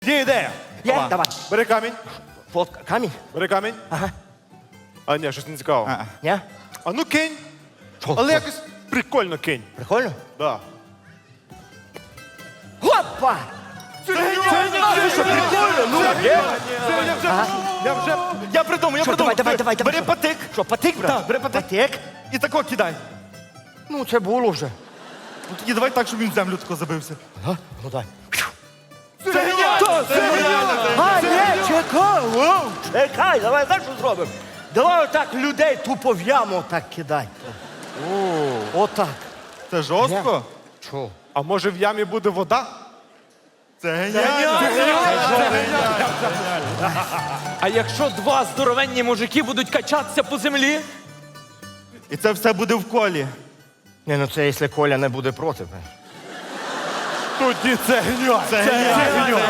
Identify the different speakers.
Speaker 1: Є ідея.
Speaker 2: Є? Давай.
Speaker 1: Бери камінь.
Speaker 2: Фотка. Камінь?
Speaker 1: Бери камінь.
Speaker 2: Ага.
Speaker 1: А ні, щось не цікаво.
Speaker 2: Ні?
Speaker 1: А ну кинь.
Speaker 2: Що?
Speaker 1: Але якось прикольно кинь.
Speaker 2: Прикольно?
Speaker 1: Да.
Speaker 2: Опа!
Speaker 3: Я придумав.
Speaker 2: Що, давай.
Speaker 3: Бери
Speaker 2: що?
Speaker 3: патик.
Speaker 2: Що, патик, брат?
Speaker 3: Так, бери патик.
Speaker 2: Патик?
Speaker 3: І тако кидай.
Speaker 2: Ну, це було вже.
Speaker 3: Ну тоді давай так, щоб він в землю тако забився.
Speaker 2: Ага, ну дай.
Speaker 3: Це геніально!
Speaker 2: А, ні, чекай, воу, чекай, давай так що зробимо. Давай отак людей тупо в яму так кидай. Отак.
Speaker 3: Це жорстко?
Speaker 2: Чого?
Speaker 1: А може в ямі буде вода?
Speaker 3: Це геніально!
Speaker 4: А якщо два здоровенні мужики будуть качатися по землі?
Speaker 3: І це все буде в колі.
Speaker 2: Ні, ну це якщо Коля не буде проти.
Speaker 1: Тоді це геніально.
Speaker 3: Це геніально!